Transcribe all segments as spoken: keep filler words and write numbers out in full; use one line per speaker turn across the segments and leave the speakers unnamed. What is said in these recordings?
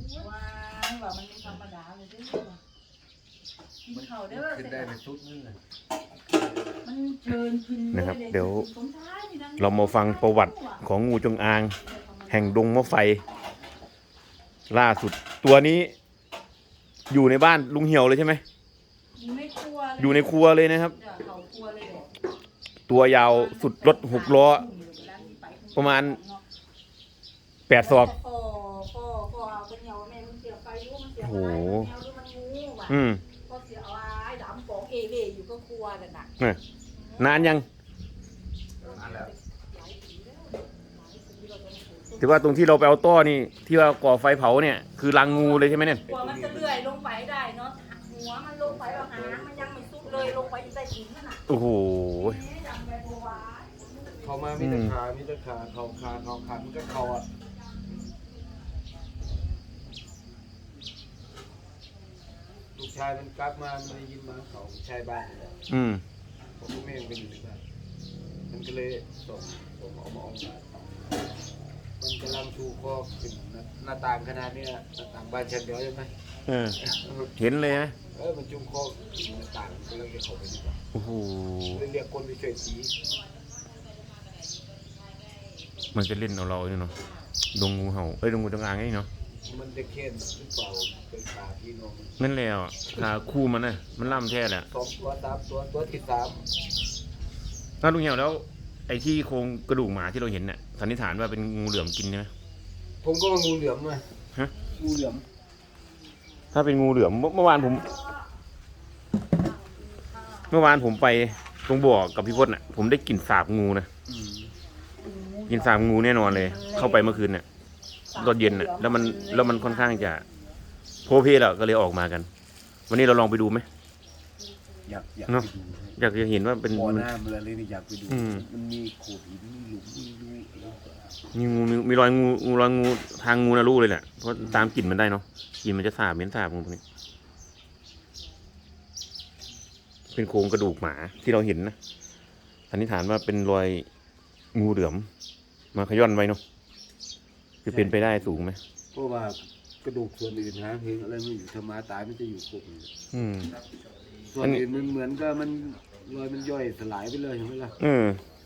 ว้ายว่ามันไม่ธรรมดาเลยด้วยกินเขาเด้อขึ้นได้เป็นชุดนึงเลยมันเชิญขึ้น
นะครับเดี๋ยวเรามาฟังประวัติของงูจงอางแห่งดงมะไฟล่าสุดตัวนี้อยู่ในบ้านลุงเหี่ยวเลยใช่ไหม
อยู่ในครัว
อยู่ในครัวเลยนะครับตัวยาวสุดรถหกล้อประมาณแปดศอกโอ้โหอืมนานยังถือว่าตรงที่เราไปเอาต้อนี่ที่ว่าก่อไฟเผาเนี่ยคือรังงูเลยใช่ไหมเนี่ย
กว่ามันจะเลื่อยลงไปได้เนาะหัวมันลงไปแล้วหางมันยังไม่สุดเลยลงไปอยู่ใต้ดินนั่นน่ะ
โอ้โห
เขามามีแต่ขามีแต่ขาเขาขาเขาขามันก็เขาอ่ะลูกชายมันกลับมามันได้ยินมาเขาชายบ้านเลย
อืม
ผมก็ไม่ยังเป็นอยู่ในบ้านมันก็เลยส่งผมเอามาออกมามันกำลังชูคอขึ้นหน้าต่างขนาดนี้หน้าต่างบ้านชั้นเดียวใช่ไหม
เออเห็นเลยไหม
เออมันจุ่มคอขึ้นหน้าต่างมันเลยจะเข้าไปดีกว่า
โอ้โห
เรียกคนไปช่วยสี
มันจะเล่นเอาเราเนี่ยเนาะดงงูเห่าเอ้ยดงงูจงอางนี่เนาะ
มันจะเข้มหรือเปล่าเป็นขาพี่น้อง
นั่นแล้วขาคู่มันน่ะมันล่ำแท้แหละ
สองตัวสามตัวตัวที่สาม
ถ้าลุงเหี่ยวแล้วไอ้ที่โครงกระดูกหมาที่เราเห็นเนี่ยสันนิษฐานว่าเป็นงูเหลือมกินใช่ไหม
ผมก็ว่างูเหลือมเลย
ฮะ
งูเหลือม
ถ้าเป็นงูเหลือมเมื่อวานผมเมื่อวานผมไปตรงบ่อกับพี่พจน์น่ะผมได้กลิ่นสาบงูนะกลิ่นสาบงูแน่นอนเลยเข้าไปเมื่อคืนเนี่ยตอนเย็นน่ะแล้วมันแล้วมันค่อนข้างจะโพเพแล้วก็เลยออกมากันวันนี้เราลองไปดูไหม
อยากอยาก
เนาะอยากจะเห็นว่าเป็น
บ่อน้ำอะไรเลยอยากไปดูมันมีโขดหินมีหลุมมีรู
มีงูมีรอยงูงูรอยงูทางงูนะลูกเลยแหละเพราะตามกลิ่นมันได้เนาะกลิ่นมันจะสาบเหม็นสาบงูพวกนี้เป็นโครงกระดูกหมาที่เราเห็นนะสันนิษฐานว่าเป็นรอยงูเหลือมมาขย้อนไว้เนาะจะเป็นไปได้สูงไหม
เพราะว่ากระดูกส่วนอื่นหางเห็นอะไรไม่อยู่ธรรมะตายมันจะอยู่ครบ
อืม
ส่วนอื่นมันเหมือนกับมันรอยมันย่อยสลายไปเลยใช่ไหมล่ะ
อืม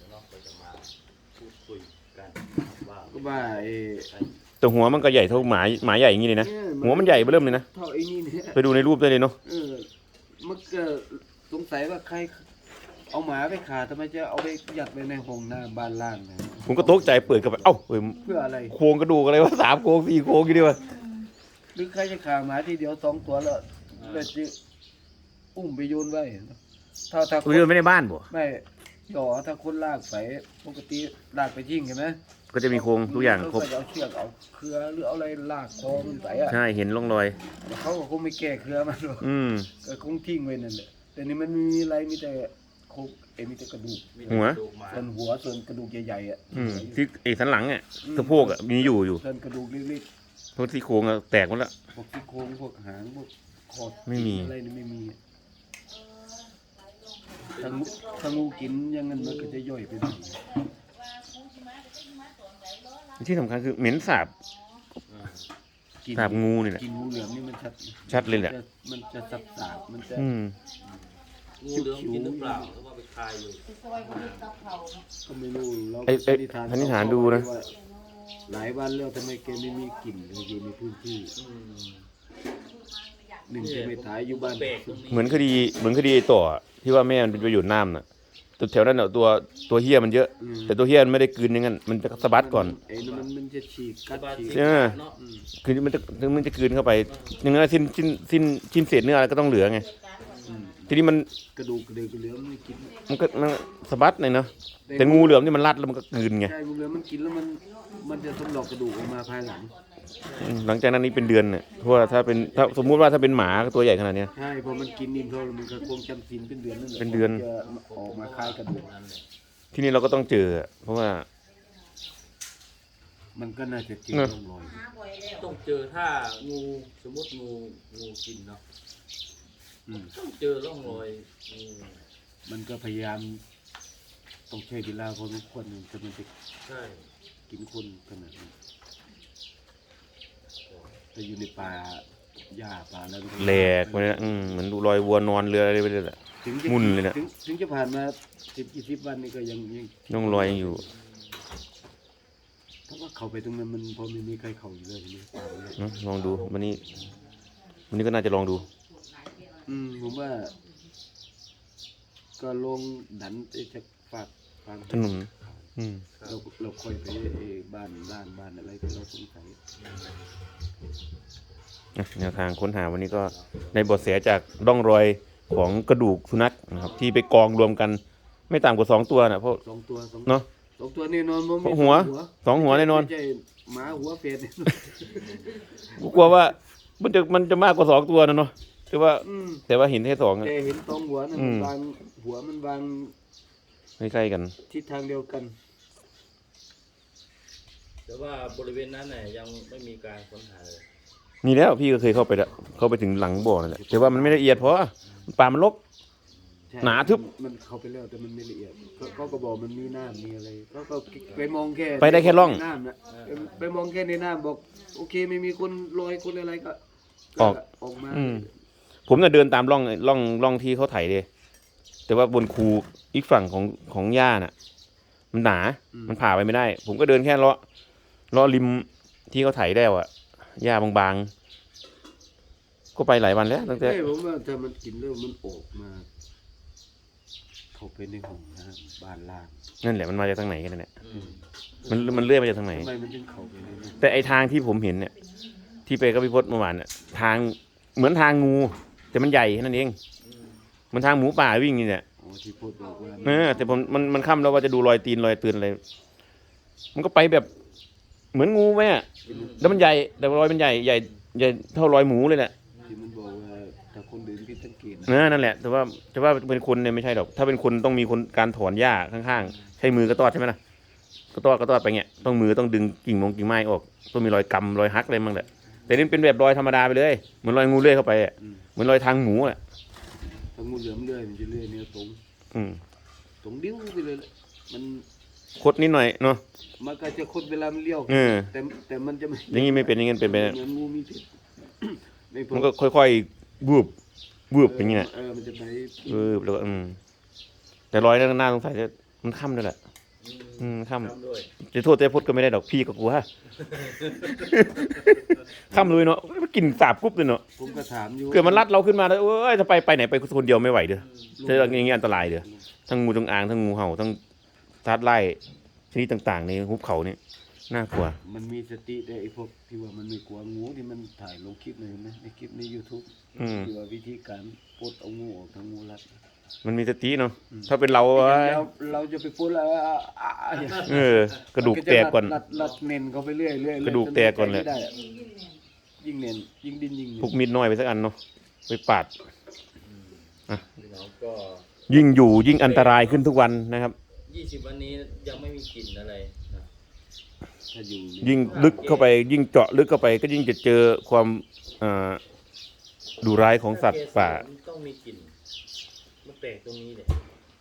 ก็ว่าไอ้
แต่หัวมันก็ใหญ่เท่าหมาหมาใหญ่อย่างนี้เลยนะหัวมันใหญ่เริ่มเลยนะ
เท่าไอ้นี่เนี่ย
ไปดูในรูปได้เลยเนาะ
เออมันก็สงสัยว่าใครเอาหมาไปขาทำไมจะเอาไปยัดไว้ในห้องน้ำบ้านล่างนะ
ผมก็ตกใจเปิดเข้าไปเอ้าเ
พื่ออะไร
โครงกระดูกอะไรวะสามโครงสี่โครงกี่ดีวะ
หรือใครจะขาหมาทีเดียวสองตัวแล้วแล้วจะอุ้มไปโยนไว้ถ้าถ้า
โยนไม่ในบ้านบ่
ไม่ต่อถ้าคนลากไปปกติลากไปทิ้งใช่ไหม
ก็จะมีโครงทุกอย่างครบ
เอาเชือกเอาเครือหรือเอาอะไรลากคอมันไปอ่ะ
ใช่เห็นร่องรอย
เขาก็คงไม่แก้เครือมันหรอกก็คงทิ้งไว้นั่นแหละแต่นี่มันมีอะไรมีแต่โครงเอ็มีแต่กระดูก
หัว
ส่วนหัวส่วนกระดูกใหญ่ๆอ่ะ
ที่ไอ้สันหลังอ่ะสะโพกอ่ะมีอยู่อยู่
ส่วนกระดูกเล็ก
ๆพวกที่โครงแตกหมดแล้ว
พวกที่โครงพวกหางพวกคอ
ไม่มี
อะไรนี่ไม่มีถ้างูถ้างูกินอย่างนั้นมันก็จะย่อยไปหมด
ที่สำคัญคือเหม็นสาบสาบงูนี่แหละ
กินงูเหลือมนี่มันชัด
ชัดเลยแหละ
มันจะสับสาบมันจะ
งูเหลือมกินหรือเปล่าหรือว่าไปคายอยู่
ก็ไม่รู้เรา
ไอ้ไอ้สันนิษฐานดูนะ
หลายวันแล้วทำไมแกไม่มีกลิ่นอยู่ในพื้นที่หนึ่งจะไม่ตายอยู่บ้าน
เหมือนคดีเหมือนคดีต่อที่ว่าแม่มันเป็นประโยชน์น้ำน่ะตัวแถวนั้นเน่ะตัวตัวเฮี้ยมันเยอะแต่ตัวเฮี้ยมันไม่ได้กลืนอย่างนั้นมันจะสะบัดก่อน
ไอ้นั่นมันมันจะฉีกกัดฉีก
ใช่ไหมคือมันจะมันจะกลืนเข้าไปอย่างนั้นสิ้นสิ้นสิ้นชิ้นเศษเนื้ออะไรก็ต้องเหลือไงทีนี้มัน
กระดูกกระดูกเหลือมไม่กิน
มันก็มันสะบัดเลยเนาะแต่งูเหลือมนี่มันรัดแล้วมันก็กลืนไง
ใช่งูเหลือมมันกินแล้วมันมันจะสำลอกกระดูกออกมาภายหลัง
หลังจากนั้นนี่เป็นเดือนเนี่ยเพราะว่าถ้าเป็นถ้าสมมุติว่าถ้าเป็นหมาตัวใหญ่ขนาดนี้
ใช่พอมันกินนิ่มเท่ามันก็คงจำศีลเป็นเดือนนั่นแหละ
เป็นเดือน
จะออกมาคลายกระดูก
ที่นี่เราก็ต้องเจอเพราะว่า
มันก็น่าจะกินร่องรอย
ต้องเจอถ้างูสมมติงูงูกินเนาะต้องเจอร่องรอย
มันก็พยายามต้องใช้เวลาพอสมควรจะมันจะ
ใช่
กินคนขนาดนี้แต่อยู่ในป่าหญ้าป่าแล้ว
แหลกไปเลยอืมเหมือนดูรอยวัวนอนเรืออะไรไปเลยแหละ
ถึงจะ
มุ่นเลยน่ะ
ถึงถึงจะผ่านมาสิบยี่สิบวันนี่ก็ยังยัง
น้องรอยยังอยู่
เพราะว่าเข้าไปตรงนั้นมันพอไม่มีใครเข้าอยู่เลยทีนี้ป่าเลย
เนอะลองดูวันนี้ วันนี้ก็น่าจะลองดู
อืมผมว่า ก็ลงดันไอ้จะฝากฟัง
ถนนอืม
เราเราค่อยไปไอ้บ้านล่างบ้านอะไรที่เราสงสัย
อ่ะแนวทางค้นหาวันนี้ก็ในเบทแสจากร่องรอยของกระดูกสุนัขนะครับ ที่ไปกองรวมกัน ไม่ต่ำกว่าสองตัวนะเพราะ
สองตัวสอง
เนาะ
สองตัวแน่นอนมัน
เพราะหัวสองหัวแน่นอน
ไม่ใช่หมาหัวเฟด
กูกลัวว่า มันจะมันจะมากกว่าสองตัวนะเนาะแต่ว่า
อืม
แต่ว่าเห็นแค่สองอะ
แต่เห็นสองหัวนะ
อื
มัน
ม
วางหัวมันวาง
ใกล้ๆกัน
ทิศทางเดียวกัน
แต่ว่าบริเวณนั้นเนี่ยยังไม่มีการค้นหาเลย
นี่แล้วพี่ก็เคยเข้าไปแล้วเข้าไปถึงหลังบ่อนั่นแหละแต่ว่ามันไม่ละเอียดเพราะป่ามันรก
ใช่
หนาทึบ
มันเข้าไปแล้วแต่มันไม่ละเอียดเขาเขาก็บอกมันมีน้ำมีอะไรเขาก็ไปมองแค่
ไปได้แค่ร่อง
ในน้ำนะไปไปมองแค่ในน้ำบอก โอเคไม่มีคนลอยคนอะไรก็
ออก
ออกมา
อืม ผมน่ะเดินตามร่องร่องร่องที่เขาไถเลยแต่ว่าบนคูอีกฝั่งของของหญ้าน่ะ มันหนา มันผ่าไปไม่ได้ ผมก็เดินแค่เลาะเลาะริมที่เขาไถได้วอะหญ้าบางๆ ก็ไปหลายวันแล้วตั้งแต่
เอ้ยผมว่าถ้ามันกินแล้วมันออกมา เข้าไปในห้องน้ำบ้านล่าง
นั่นแหละมันมาจากทางไหนกันเนี่ย
อืม
มันมันเลื่อยมาจากทางไหน
ทำไมมันถึงเข้าไปในนั้น
แต่ไอทางที่ผมเห็นเนี่ย ที่ไปกับพี่พจน์เมื่อวานเนี่ยทางเหมือนทางงู แต่มันใหญ่แค่นั้นเอง มันทางหมูป่าวิ่งนี่เนี่ย
อ๋อที่พูดบอกว่า
เออแต่ผมมันมันค่ำแล้วว่าจะดูรอยตีนรอยเตือนอะไร มันก็ไปแบบ เหมือนงูไหมอะแล้วมันใหญ่แต่รอยมันใหญ่ใหญ่ใหญ่เท่ารอยหมูเลยแหละ
ที่มันบอกว่าถ้าคนเดินผิดสังเกตนะ
เออนั่นแหละ แต่ว่าจะว่าเป็นคนเนี่ยไม่ใช่หรอก ถ้าเป็นคนต้องมีคนการถอนหญ้าข้างๆ ใช้มือกระตอดใช่ไหมล่ะกระตอดกระตอดไปเงี้ย ต้องมือต้องดึงกิ่งมงกิ่งไม้ออก ต้องมีรอยกำรอยหักอะไรมั่งแหละ แต่นี่เป็นแบบรอยธรรมดาไปเลย เหมือนรอยงูเลื้อยเข้าไปอะ
อืม
เหมือนรอยทางหมูอ่ะ
ถ้างูเหลือมเลื่อยมันจะเลื่อยเนี่ยตรง
อืม
ตรงดิ้วไปเลยแหละมัน
คดนิดหน่อยเนาะ
มันก็จะคดเวลามันเลี้ยว
เออ
แต่แต่มันจะไม่
อย่างงี้ไม่เป็นอย่างงี้เป็นไป
เหมือนงูมีพิษ ไม่พอ
มันก็ค่อยๆบูบบูบอย่างงี้แหละ
เออมันจะไป
บูบแล้วก็อืมแต่รอยนั้นน่าสงสัยจะมันค่ำด้วยแหละ อืมค่ำ
ทำด้วย
จะโทษแต่พดก็ไม่ได้ดอกพี่ก็กลัว ค่ำเลยเนาะมันกลิ่นสาบกรุบเลยเนาะ
ผมก็ถามอยู่
เกิดมันรัดเราขึ้นมาแล้วเอ้ยจะไปไปไหนไปคนเดียวไม่ไหวเด้อเจออย่างงี้อันตรายเด้อทั้งงูจงอางทั้งงูเห่าทั้งสัตว์ไล่ชนิดต่างๆในหุบเขานี่น่ากลัว
มันมีสติได้ไอ้พวกที่ว่ามันไม่กลัวงูที่มันถ่ายลงคลิปเลยเห็นไหมในคลิปใน YouTube
อืม
ที่ว่าวิธีการปลดเอางูออกทางงูรัด
มันมีสติเนาะถ้าเป็นเรา
เรา
อะ
เราจะไปปลดแล้วอ่ะอ่ะอ่ะ
เออกระดูกแตกก่อน
รัดรัดเน้นเขาไปเรื่อยเรื่อย
กระดูกแตกก่อนเลย
ไม่ได้อะยิ่งเน้นยิ่งดิ้นยิ่ง
พกมีดน้อยไปสักอันเนาะไปปาด
พี่น้องก็
ยิ่งอยู่ยิ่งอันตรายขึ้นทุกวันนะครับ
ยี่สิบวันนี้ยังไม่มีกลิ่นอะไรนะ
ถ้าอยู่
ยิ่งลึกเข้าไป ยิ่งเจาะลึกเข้าไป ก็ยิ่งจะเจอความอ่าดุร้ายของสัตว์ป่า
มันต้องมีกลิ่นมันแปลกตรงนี้เลย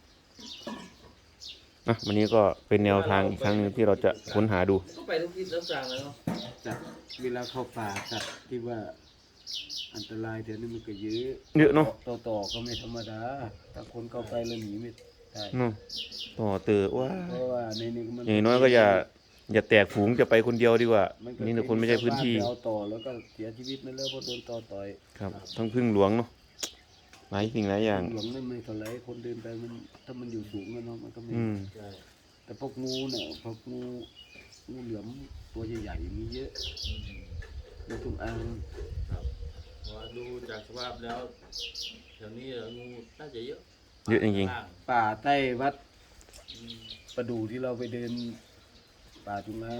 นะวันนี้ก็เป็นแนวทางอีกครั้งหนึงที่เราจะค้นหาดู
ก็ไปทุกทิศทุกทางเลยเนาะ
สัตว์เวลาเข้าป่าสัตว์ที่ว่าอันตรายเดี๋ยวนี้มันก็เยอะ
เยอะเนาะ
ต่อต่อก็ไม่ธรรมดาถ้าคนเข้าไปแล้วหนีไม่ได้
เนาะต่อเตือว่า
เพราะว่าในนี้มัน
อย่างน้อยก็อย่าอย่าแตกฝูงจะไปคนเดียวดีกว่า
มัก็
นี่แต่คนไม่ใช่พื้นที่
ชาวบ้าไปเอาต่อแล้วก็เสียชีวิตนั่นแล้วเพราะโดนต่อต่อย
ครับทั้งพึ่งหลวงเนาะหลายสิ่งหลายอย่าง
หลวงนั่นไม่เท่าไรคนเดินไปมันถ้ามันอยู่สูงแล้วเนาะมันก็ไม่
อืม
ใช่
แต่พวกงูเนี่ยพวกงูงูเหลือมตัวใหญ่ๆมีเยอะงูจงอาง
ครับเพราะว่าดูจากสภาพแล้วแถวนี้งูน่าจะเยอะ
เยอะจริง
ข้าง
ป่าใต้วัด
ๆอืม
ประดูที่เราไปเดินป่าจงอาง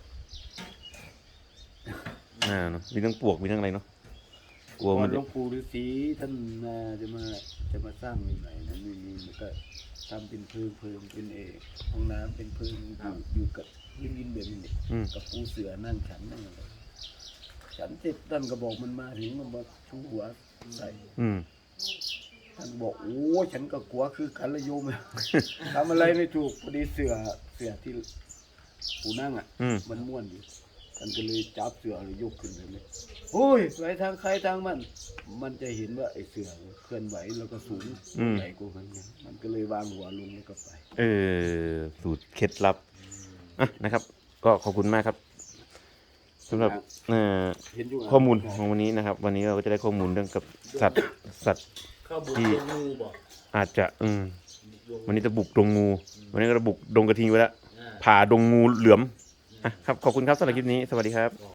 ๆอ่าเนาะมีทั้งปลวกมีทั้งอะไรเนาะกลัว
ก่อ
มัน น
หลวงปู่ฤาษีท่านมาจะมาจะมาสร้างใหม่ๆนะนี่นี่มันก็ทำเป็นเพิงเพิงเป็นเอห้องน้ำเป็นเพิงอยู่อยู่กับพื้นดินแบบนี้
อืม
กับปูเสือนั่งฉันนั่งอะไรฉันเสร็จท่านก็บอกมันมาถึงมันมาชูหัวใส่
อืม
ท่านบอกโอ้ฉันก็กลัวคือกันละโยม ทำอะไรไม่ถูกพอดีเสือเสือที่ปูนั่งอ่ะ
อืม
มันม่วนอยู่ท่านก็เลยจับเสือเลยยกขึ้นเลยโอ้ยไปทางใครทางมัน มันจะเห็นว่าไอ้เสือเคลื่อนไหวแล้วก็สูง
อืม
ใหญ่กว่ามันไงมันก็เลยวางหัวลงแล้วก็ไป
เออสูตรเคล็ดลับอ่ะนะครับ ก็ขอบคุณมากครับสำหรับเอ่อ
เห็นอยู่
ข้อมูลของวันนี้นะครับ วันนี้เราก็จะได้ข้อมูลเรื่องกับสัตว์สัตว์
เข้าบุก
ที่
ดงงูบอก
อาจจะอืม
บุกดง
วันนี้จะบุกดงงู วันนี้ก็จะบุกดงกระทิงไปแล้ว
อ่า
ผ่าดงงูเหลือมอ่ะครับขอบคุณครับสำหรับคลิปนี้สวัสดีครับ